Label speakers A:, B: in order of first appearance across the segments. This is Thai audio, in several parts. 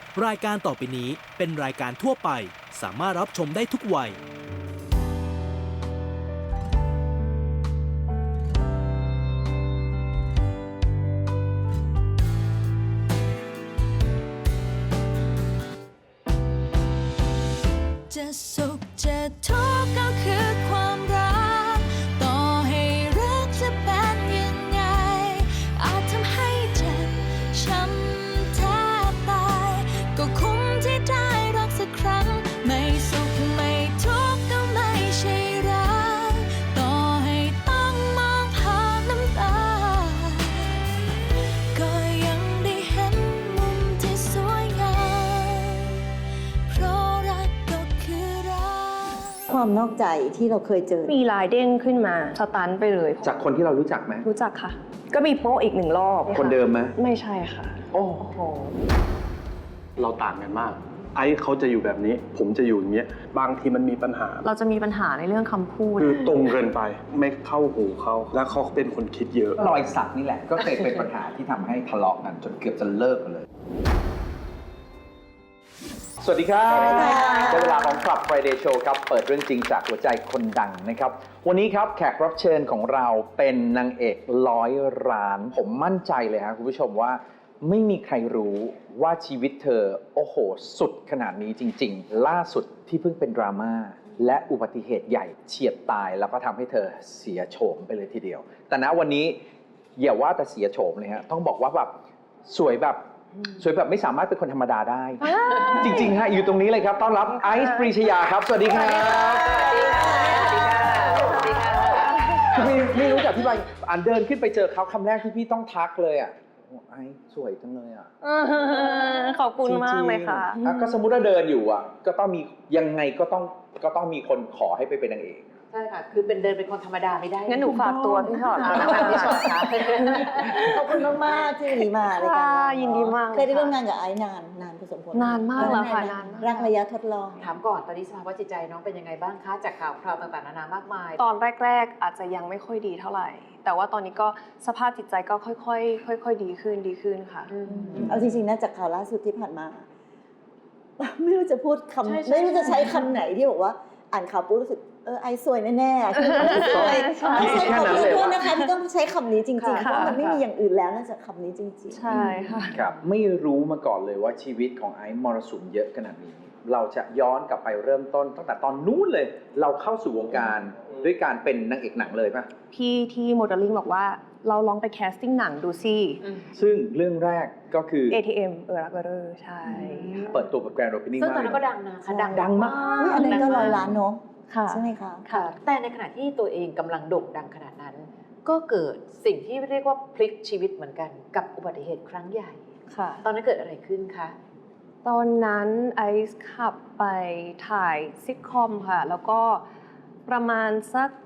A: รายการต่อไปนี้เป็นรายการทั่วไปสามารถรับชมได้ทุกวัย
B: จะสุขจะทุกข์ก็คือความรักต่อให้รักจะเป็นยังไงอาจทำให้เจ็บช้ำแทบตายก็คุ้มที่ได้รักสักครั้งไม่สุขไม่ทุกข์ก็ไม่ใช่รักต่อให้ต้องมองผ่านน้ำตาก็ยังได้เห็นมุมที่สวยงามเพราะรักก็คือรัก
C: ความนอกใจที่เราเคยเจอ
D: มีลายเด้งขึ้นมาสตันไปเลย
E: จากคนที่เรารู้จักไหม
D: รู้จักค่ะ ก็มีโป๊ะอีก1 รอบ
E: คนเดิมไหม
D: ไม่ใช่ค่ะ
E: โอ้โหเราต่างกันมาก ไอ้เขาจะอยู่แบบนี้ ผมจะอยู่อย่างเงี้ยบางทีมันมีปัญหา
D: เราจะมีปัญหาในเรื่องคำพูด
E: คือตรงเกินไปไม่เข้าหูเขาแล้วเขาเป็นคนคิดเยอะ
F: รอยสักนี่แหละก็เคยเป็นปัญหาที่ทำให้ทะเลาะกันจนเกือบจะเลิกกันเลย สวัสดีครับได้เวลาของ Club Friday Show ครับเปิดเรื่องจริงจากหัวใจคนดังนะครับวันนี้ครับแขกรับเชิญของเราเป็นนางเอก100 ล้าน ผมมั่นใจเลยครับคุณผู้ชมว่าไม่มีใครรู้ว่าชีวิตเธอโอ้โหสุดขนาดนี้จริงๆล่าสุดที่เพิ่งเป็นดราม่าและอุบัติเหตุใหญ่เฉียดตายแล้วก็ทำให้เธอเสียโฉมไปเลยทีเดียวแต่ณวันนี้อย่าว่าแต่เสียโฉมเลยฮะต้องบอกว่าแบบสวยแบบไม่สามารถเป็นคนธรรมดาได้ จริงๆฮะอยู่ตรงนี้เลยครับต้อนรับไอซ์ปรีชยาครับสวัสดีครับคือไม่รู้จะอธิบายอันเดินขึ้นไปเจอเขาคำแรกที่พี่ต้องทักเลยอ่ะโอ้ไอซ์สวยจังเลยอ่ะ
D: ขอบคุณมากเลยค่ะ
F: จริงๆก็สมมุติว่าเดินอยู่อ่ะก็ต้องมียังไงก็ต้องมีคนขอให้ไปเป็นนางเอก
G: ใช่ค่ะ คือเป็นเดินเป็นคนธรรมดาไม่ได้
D: งั้นหนูฝากตัวพี่ชอต
G: พี่ชอตค่ะ
C: ขอบคุณมากๆที่วันนี้มารายการ
D: ค่ะ
C: เรา
D: ยินดีมาก
C: เคยได้ร่วมงานกับไอซ์นานพอสมควร
D: นานมากแล้วค่ะนานมาก
C: รักระยะทดลอง
G: ถามก่อนตอนนี้สภาวะจิตใจน้องเป็นยังไงบ้างคะจากข่าวคราวต่างๆนานามากมาย
D: ตอนแรกๆอาจจะยังไม่ค่อยดีเท่าไหร่ แต่ว่าตอนนี้ก็สภาพจิตใจก็ค่อยๆดีขึ้นค่ะ
C: เอาจริงๆนะจากข่าวล่าสุดที่ผ่านมา ไม่รู้จะพูด
G: ใช่
C: คำ
G: ใช่
C: ไม่รู้จะใช้คำไหนที่บอกว่าอ่านข่าวปุ๊บรู้สึกไอซ์สวยแน่ๆคือสวย
D: ใช่
C: ไม่ใช่
E: แค่
C: ขอ
E: นั้นเลย
C: โทษ
E: วะ
C: นะคะที่ต้องใช้คำนี้จริงๆเพ
D: ค่ะ
C: ราะมันไม่มีอย่างอื่นแล้วนอกจากคำนี้จริงๆ
D: ใช่ค่ะ
F: ครับไม่รู้มาก่อนเลยว่าชีวิตของไอซ์มรสุมเยอะขนาดนี้ เราจะย้อนกลับไปเริ่มต้นตั้งแต่ตอนนู้นเลย เราเข้าสู่วงการด้วยการเป็นนางเอกหนังเลยป่ะ
D: พี่ที่โมเดลลิ่งบอกว่าเราลองไปแคสติ้งหนังดูสิ
F: ซึ่งเรื่องแรกก็คือ
D: ATM รักเรอใช่
F: เปิดตัวกับแกรนด์โอเพนนิ่ง
G: ซึ่ง
F: มาก
G: ตอนนั้นก็ดังนะคะดังมาก
C: อุ๊ยอันนั้นก็100 ล้านเนาะ
D: ค่ะ
C: ใช่ไหมคะ
G: ค่ะ แต่ในขณะที่ตัวเองกำลังโด่งดังขนาดนั้น ก็เกิดสิ่งที่เรียกว่าพลิกชีวิตเหมือนกันกับอุบัติเหตุครั้งใหญ่
D: ค่ะ
G: ตอนนั้นเกิดอะไรขึ้นคะ
D: ตอนนั้นไอซ์ขับไปถ่ายซิทคอมค่ะ แล้วก็ประมาณสัก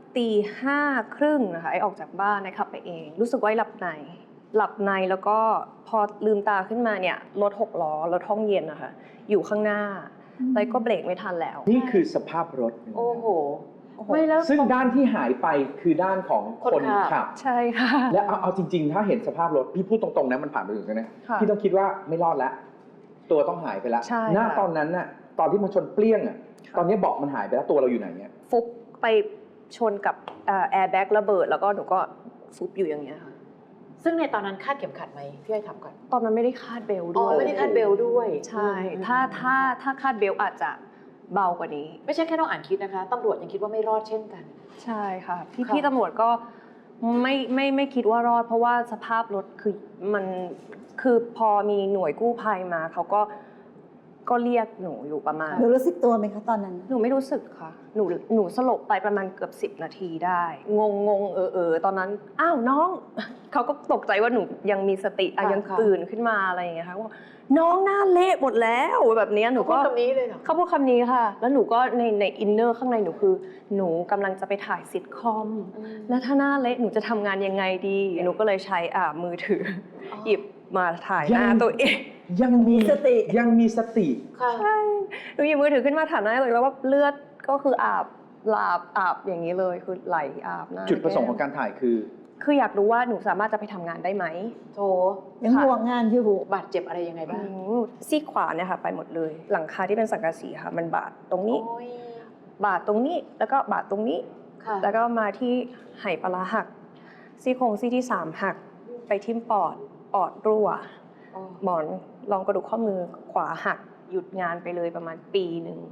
D: 5:30นะคะไอซ์ออกจากบ้านไอซ์ขับไปเอง รู้สึกว่าไอซ์หลับในแล้วก็พอลืมตาขึ้นมาเนี่ยรถ6 ล้อรถห้องเย็นนะคะอยู่ข้างหน้าไอซ์ก็เบรกไม่ทันแล้ว
F: นี่คือสภาพรถ
G: โอ้โห ไม่แล้ว
F: ซึ่งด้านที่หายไปคือด้านของคน
G: คนขับ
F: ขับ
D: ใช่ค่ะ
F: และเอาจริงๆ ถ้าเห็นสภาพรถพี่พูดตรงๆนะมันผ่านไปถึงกันนะ
D: ค่ะ
F: พี่ต้องคิดว่าไม่รอดแล้ว ตัวต้องหายไปแล้ว
D: ใช่
F: หน้า
D: ค่ะ
F: ตอนนั้นน่ะตอนที่มันชนเปรี้ยงอ่ะตอนนี้เบาะมันหายไปแล้วตัวเราอยู่ไหนเนี่ย
D: ฟุบไปชนกับแอร์แบ็กระเบิดแล้วก็หนูก็ฟุบอยู่อย่างเงี้ยค่ะ
G: ซึ่งในตอนนั้นคาดเข็มขัดไหมพี่อ้อยถามก่อน
D: ตอนนั้นไม่ได้คาดเบลต์
G: อ๋
D: ด้
G: อ
D: วย
G: ไม่ได้คาดเบลด้วย
D: ใช่ ถ้าคาดเบลต์อาจจะเบากว่านี้
G: ไม่ใช่แค่น้องอ่านคิดนะคะตำรวจยังคิดว่าไม่รอดเช่นกัน
D: ใช่ค่ะ
G: ค่ะ
D: พี่ตำรวจก็ไม่คิดว่ารอด เพราะว่าสภาพรถคือมันคือพอมีหน่วยกู้ภัยมาเขาก็เรียกหนูอยู่ประมาณ
C: หนูรู้สึกตัวไหมคะตอนนั้น
D: หนูไม่รู้สึกค่ะ หนูสลบไปประมาณเกือบ10 นาทีได้ งงตอนนั้นอ้าวน้อง เขาก็ตกใจว่าหนูยังมีสติยังตื่นขึ้นมาอะไรอย่างเงี้ยค่ะว่าน้องหน้าเละหมดแล้วแบบเนี้ยหนู
G: พู
D: ก็
G: ดคำนี้เลยเหรอ
D: เขาพูดคำนี้ค่ะ แล้วหนูก็ในอินเนอร์ข้างในหนูคือหนูกำลังจะไปถ่ายซิทคอม แล้วถ้าหน้าเละหนูจะทำงานยังไงดี หนูก็เลยใช้มือถืออหยิบมาถ่ายหน้าตัวเอง
F: ยังมี
C: สติ
F: ยังมีสติ
G: ค่ะ
D: ใช่หนูหยิบมือถือขึ้นมาถ่ายหน้าเลยแล้วว่าเลือดก็คืออาบอย่างนี้เลยคือไหลอาบหน้า
F: จุดประสงค์ของการถ่ายคือ
D: คืออยากรู้ว่าหนูสามารถจะไปทำงานได้ไหม
G: โถ
C: ยังห่วงงานอยู่
G: บาดเจ็บอะไรยังไงบ้าง
D: ซี่ขวาเนี่ยค่ะไปหมดเลย หลังคาที่เป็นสังกะสีค่ะ มันบาดตรงนี้
G: โอ้ย
D: บาดตรงนี้แล้วก็บาดตรงนี้
G: ค่ะ
D: แล้วก็มาที่ไหปลาร้าหัก ซี่โครงซี่ที่3หักไปทิ่มปอดรั่ว
G: โอ้
D: หมอนรองกระดูกข้อมือขวาหักหยุดงานไปเลยประมาณปีหนึ่ง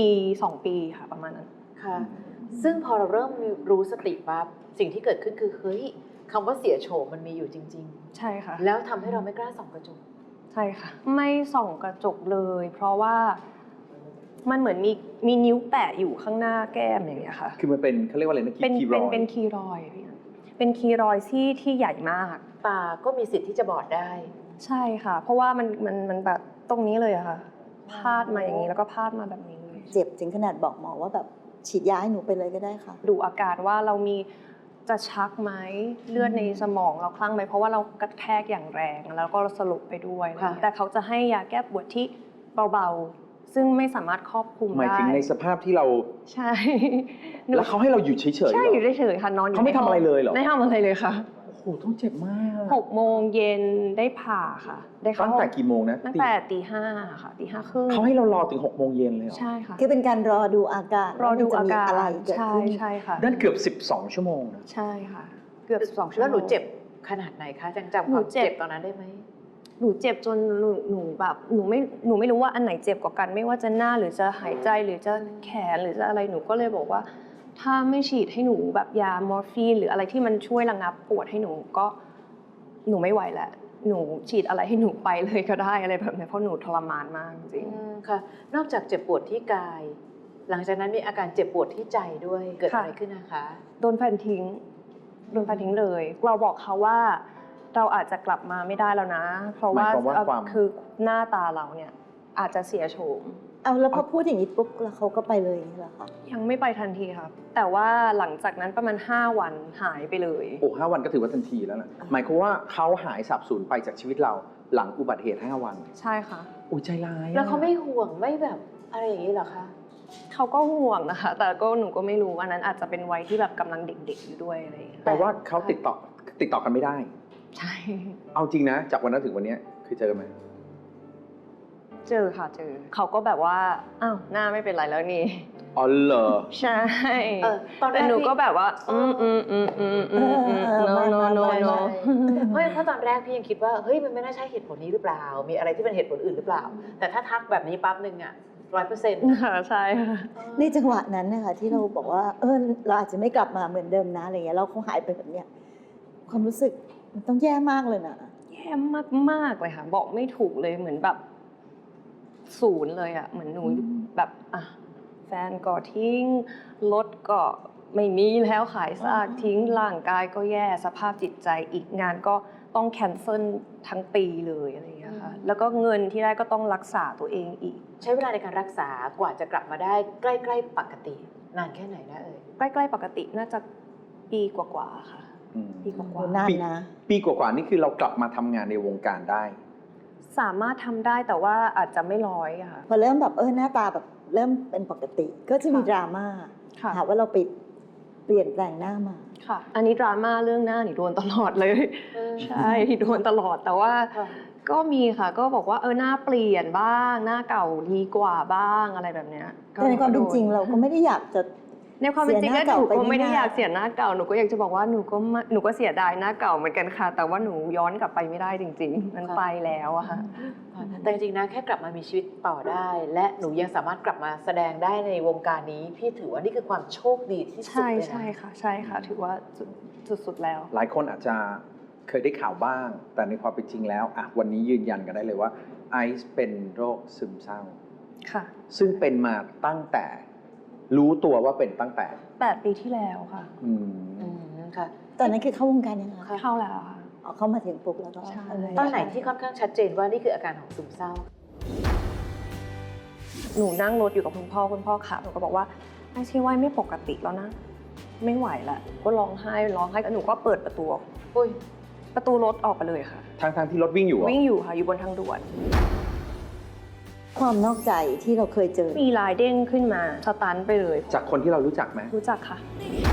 D: 2 ปีค่ะประมาณนั้น
G: ค่ะ ซึ่งพอเราเริ่มรู้สติปั๊บสิ่งที่เกิดขึ้นคือเฮ้ยคำว่าเสียโฉมมันมีอยู่จริง
D: ใช่ค่ะ
G: ๆ แล้วทำให้เราไม่กล้าส่องกระจก
D: ใช่ค่ะ ไม่ส่องกระจกเลย เพราะว่ามันเหมือนมีนิ้วแปะอยู่ข้างหน้าแก้มอย่างเงี้ยค่ะ
F: คือมันเป็นเขาเรียกว่าอะไรนะ
D: เป็น
F: คีรอยด์
D: เป็นคีรอยด์พี่อันเป็นคีรอยด์ที่ใหญ่มาก
G: ตาก็มีสิทธิ์ที่จะบอดได้
D: ใช่ค่ะ เพราะว่ามันแบบตรงนี้เลยอะค่ะ พาดมาอย่างนี้แล้วก็พาดมาแบบนี้เลย
C: เจ็บถึงขนาดบอกหมอว่าแบบฉีดยาให้หนูไปเลยก็ได้ค่ะ
D: ดูอาการว่าเรามีจะชักไหมเลือดในสมองเราคลั่งไหมเพราะว่าเรากระแทกอย่างแรงแล้วก็สลบไปด้วย
G: ค่ะ
D: แต่เขาจะให้ยาแก้ปวดที่เบาๆ ซึ่งไม่สามารถครอบคลุม
F: หมาย
D: ได้
F: ถึงในสภาพที่เรา
D: ใช่
F: แล้วเขาให้เราอยู่เฉยๆ
D: ใช่
F: เหร
D: อยู่เฉยๆค่ะนอนอยู่
F: เขาไม่ทำอะไรเลยเหรอ
D: ไม่ทำอะไรเลยค่ะ
F: โอ้โหต้องเจ็บมาก
D: 6 โมงเย็นได้ผ่าค่ะ ได้เข้า
F: ตั้งแต่กี่โมงนะ
D: ตั้งแต่ตี 5ค่ะตี 5 ครึ่ง
F: เขาให้เรารอถึง6 โมงเย็นเลยเหรอ
D: ใช่ค่ะ
C: คือเป็นการรอดูอาการ
D: รอดู
C: ว่
D: อา
C: มันจะมี
D: การ
C: อะไรเกิด
D: ใช่
C: ขึ้น
D: ใช่ค่ะ
F: นั่นเกือบ 12 ชั่วโมงนะ
D: ใช่ค่ะ เกือบ2 ชั่วโมง
G: แล้วหนูเจ็บขนาดไหนคะจังจำค
D: หนู
G: วาม
D: เจ็บ
G: เจ็บตอนนั้นได้ไหม
D: หนูเจ็บจนหนูแบบหนูไม่รู้ว่าอันไหนเจ็บกว่ากัน ไม่ว่าจะหน้าหรือจะหายใจหรือจะแขนหรือจะอะไรหนูก็เลยบอกว่า ถ้าไม่ฉีดให้หนูแบบยามอร์ฟีนหรืออะไรที่มันช่วยระงับปวดให้หนูก็หนูไม่ไหวแล้วหนูฉีดอะไรให้หนูไปเลยก็ได้อะไรแบบนี้เพราะหนูทรมานมากจริง
G: ค่ะ นอกจากเจ็บปวดที่กาย หลังจากนั้นมีอาการเจ็บปวดที่ใจด้วย เกิดอะไรขึ้นนะคะ
D: โดนแฟนทิ้งเลย เราบอกเขาว่าเราอาจจะกลับมาไม่ได้แล้วนะ เพราะว่า
F: หมายความว่าความ
D: คือหน้าตาเราเนี่ยอาจจะเสียโฉม
C: เอาแล้วพอพูดอย่างนี้ปุ๊บแล้วเขาก็ไปเลยอย่างนี้เหรอคะ
D: ยังไม่ไปทันทีครับ แต่ว่าหลังจากนั้นประมาณ5 วันหายไปเลย
F: โอ้5 วันก็ถือว่าทันทีแล้วนะหมายความว่าเขาหายสับสูญไปจากชีวิตเราหลังอุบัติเหตุ5 วัน
D: ใช่ค่ะ
F: โอ้ยใจร้ายอะ
G: แล้วเขาไม่ห่วงไม่แบบอะไรอย่างนี้เหรอคะ
D: เขาก็ห่วงนะคะ แต่ก็หนูก็ไม่รู้อันนั้นอาจจะเป็นวัยที่แบบกำลังเด็กๆอยู่ด้วยอะไรอย่างเงี้ย
F: แปลว่าเขาติดต่อกันไม่ได้
D: ใช่
F: เอาจริงนะ จากวันนั้นถึงวันนี้เคยเจอกันไหม
D: เจอค่ะเจอเขาก็แบบว่าอ้าวหน้าไม่เป็นไรแล้วนี่
F: อ๋อเหรอ
D: ใช่
G: ตอนแร
D: แต่
G: ก
D: หนู
G: พี่
D: ก็แบบว่าno
G: เพราะตอนแรกพี่ยังคิดว่าเฮ้ยมันไม่น่าใช่เหตุผลนี้หรือเปล่า มีอะไรที่เป็นเหตุผลอื่นหรือเปล่า แต่ถ้าทักแบบนี้ปั๊บนึงอ่ะ100%
D: ค่ะใช่ค่ะ
C: ในจังหวะนั้นนะคะที่เราบอกว่าเราอาจจะไม่กลับมาเหมือนเดิมนะอะไรเงี้ยเราคงหายไปแบบเนี้ยความรู้สึกมันต้องแย่มากเลยนะ
D: แย่มากๆเลยค่ะบอกไม่ถูกเลยเหมือนแบบศูนย์เลยอ่ะเหมือนหนูแบบอ่ะแฟนก็ทิ้งรถก็ไม่มีแล้วขายซากทิ้งร่างกายก็แย่สภาพจิตใจอีกงานก็ต้องแคนเซิลทั้งปีเลยอะไรอย่างเงี้ยค่ะแล้วก็เงินที่ได้ก็ต้องรักษาตัวเองอีก
G: ใช้เวลาในการรักษากว่าจะกลับมาได้ใกล้ๆปกติ นานแค่ไหนนะเอ่ย
D: ใกล้ๆปกติน่าจะปีกว่าๆค่ะ
F: อืม
D: ปีก
C: โอ้โห
D: ว่า
C: นานนะ
F: ปีกว่าๆนี่คือเรากลับมาทำงานในวงการได้
D: ๆสามารถทำได้แต่ว่าอาจจะไม่ร้อยอะค่ะ
C: พอเริ่มแบบหน้าตาแบบเริ่มเป็นปกติ ก็จะมีดราม่า
D: ค่ะ
C: หาว่าเราไปเปลี่ยนแปลงหน้ามา
D: ค่ะ อันนี้ดราม่าเรื่องหน้าหนูโดนตลอดเลย ใช่โดนตลอดแต่ว่า
G: ค่ะ
D: ก็มีค่ะก็บอกว่าหน้าเปลี่ยนบ้างหน้าเก่าดีกว่าบ้างอะไรแบบเนี้ย
C: แต่ในความเป็นจริงเราก็ไม่ได้อยากจะ
D: ในความเป็นจริง
C: เสียห
D: แล้ว
C: น้า
D: หนู
C: เก่าไป
D: ก็ไม่ได้
C: ง่ายๆ
D: อยากเสียหน้าเก่าหนูก็อยากจะบอกว่าหนูก็เสียดายหน้าเก่าเหมือนกันค่ะ แต่ว่าหนูย้อนกลับไปไม่ได้จริง ๆ มันไปแล้วอะค่ะ
G: แต่จริงๆนะแค่กลับมามีชีวิตต่อได้ และหนูยังสามารถกลับมาแสดงได้ในวงการนี้ พี่ถือว่านี่คือความโชคดีที่สุด
D: ใช่
G: เลยนะ
D: ใช่ค่ะใช่ค่ะ ถือว่าสุดๆแล้ว
F: หลายคนอาจจะเคยได้ข่าวบ้าง แต่ในความเป็นจริงแล้ววันนี้ยืนยันกันได้เลยว่าไอซ์เป็นโรคซึมเศร้า
D: ค่ะ
F: ซึ่งเป็นมาตั้งแต่รู้ตัวว่าเป็นตั้งแต่
D: 8 ปีที่แล้วค่ะ
F: อืม
G: อืมค่ะ
C: ตอนนั้นคือเข้าวงการยังไงคะ
D: เข้าแล้วค่ะ
C: เข้ามาถึงปุ๊บแล้วก็
D: ใช่
G: ตอนไหนที่ค่อนข้างชัดเจนว่านี่คืออาการของซึมเศร้า
D: หนูนั่งรถอยู่กับคุณพ่อขับหนูก็บอกว่าไอ้ชีวายไม่ปกติแล้วนะ ไม่ไหวละก็ร้องไห้แล้วหนูก็เปิดประตู
G: อุ้ย
D: ประตูรถออกไปเลยค่ะ
F: ทั้งที่รถวิ่งอยู่เหรอ
D: วิ่งอยู่ค่ะอยู่บนทางด่วน
C: ความนอกใจที่เราเคยเจอ
D: มีลายเด้งขึ้นมาสตันไปเลย
F: จากคนที่เรารู้จักไหม
D: รู้จักค่ะ